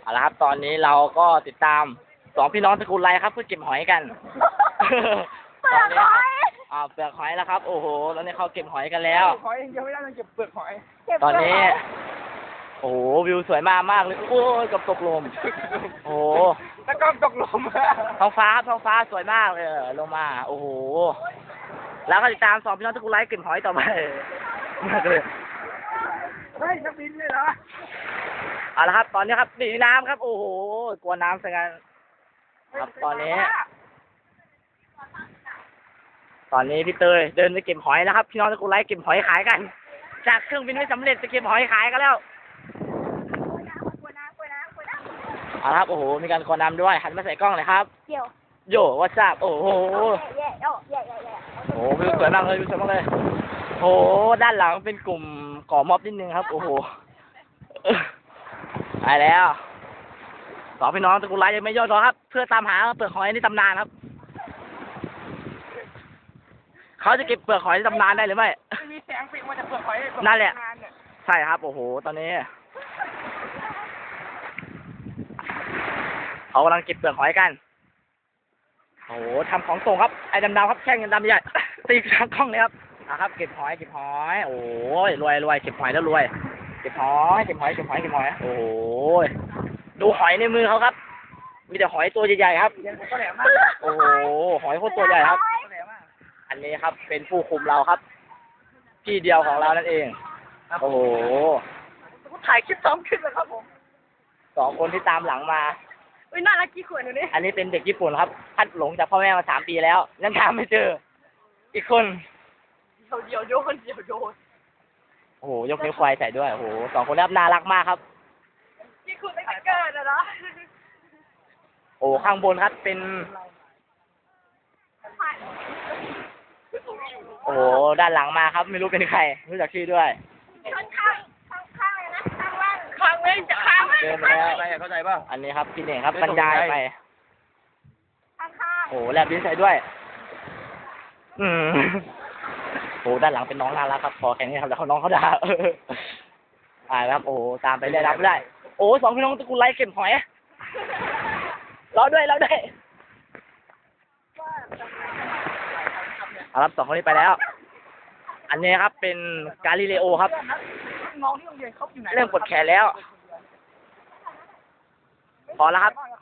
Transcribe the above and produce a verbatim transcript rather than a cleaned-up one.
เอาละครับตอนนี้เราก็ติดตามสองพี่น้องตระกูลไรครับเพื่อเก็บหอยกันเปลือกหอยอ่าเปลือกหอยแล้วครับโอ้โหตอนนี้เขาเก็บหอยกันแล้วหอยยังไม่ได้ต้องเก็บเปลือกหอยตอนนี้โอ้โหวิวสวยมากมากเลยโอ้ยกับตกลมโอ้โหแล้วก็ตกลมท้องฟ้าครับท้องฟ้าสวยมากเลยลงมาโอ้โหแล้วก็ติดตามสองพี่น้องตระกูลไรเก็บหอยต่อไปมากเลยเฮ้ยนักบินเลยเหรอเอาละครับตอนนี้ครับหนีน้ำครับโอ้โหกลัวน้ำซะงั้นครับตอนนี้ ตอนนี้พี่เตยเดินไปเก็บหอยแล้วครับพี่น้องตระกูลไรเก็บหอยขายกัน จากเครื่องบินไม่สำเร็จจะเก็บหอยขายกันแล้วเอาละครับโอ้โหมีการคอน้ำด้วยหันมาใส่กล้องเลยครับเดี๋ยวโย่วัชจับโอ้โหแย่แย่แย่แย่แย่โอ้โหวิวสวยมากเลยวิวสวยมากเลยโอ้โหด้านหลังเป็นกลุ่มก่อม็อบนิดนึงครับโอ้โหไปแล้วสองพี่น้องตระกูลไรยังไม่ย่อท้อครับ เพื่อตามหาเปลือกหอยในตำนานครับเขาจะเก็บเปลือกหอยในตำนานได้หรือไม่ไม่มีแสงปิดมาจากเปลือกหอยนั่นแหละ ใช่ครับโอ้โหตอนนี้เขากำลังเก็บเปลือกหอยกันโอ้โหทำของส่งครับไอ้ดำๆครับแข่งกันดำใหญ่ ตีทางกล้องเลยครับนะครับเก็บหอยเก็บหอยโอ้ยรวยรวยเก็บหอยแล้วรวยเก็บหอยเก็บหอยเก็บหอยเก็บหอยโอ้ยดูหอยในมือเขาครับมีแต่หอยตัวใหญ่ๆครับก็แหลมมากโอ้โหหอยโคตรตัวใหญ่ครับก็แหลมมากอันนี้ครับเป็นผู้คุมเราครับพี่เดียวของเรานั่นเองโอ้โหถ่ายคลิปซ้อมขึ้นเลยครับผมสองคนที่ตามหลังมาอุ้ยน่ารักกี่ขวดหนูนี่อันนี้เป็นเด็กญี่ปุ่นครับพัดหลงจากพ่อแม่มาสามปีแล้วยังตามไม่เจอ อีกคนเดี๋ยวเดี๋ยวโยนเดี๋ยวโยนโอ้โหยกนิ้วควายใส่ด้วยโอ้โหสองคนนี้น่ารักมากครับกี่ขวดตั้งแต่เกิดอะเนาะโอ้ข้างบนครับเป็นโอ้โหด้านหลังมาครับ ไม่รู้เป็นใครไม่รู้จักชื่อด้วยข้างข้างข้างข้างเลยนะข้างล่างข้างเลยจะข้างเดินไปแล้วเข้าใจป่ะอันนี้ครับพี่เน่งครับบรรยายไปข้างข้างโอ้โหแลบลิ้นใส่ด้วย อืมโอ้โหด้านหลังเป็นน้องน่ารักครับพอแค่นี้ครับแล้วเขาน้องเขาด่าเอออ่าครับโอ้โหตามไปเรื่อยรับไม่ได้ โอ้สองพี่น้องตระกูลไรเก็บหอยรอด้วยรอด้วยเอาครับสองคนนี้ไปแล้ว อันนี้ครับเป็นกาลิเลโอครับน้องที่โรงเรียนเขาอยู่ไหนเริ่มกดแขนแล้ว พอแล้วครับ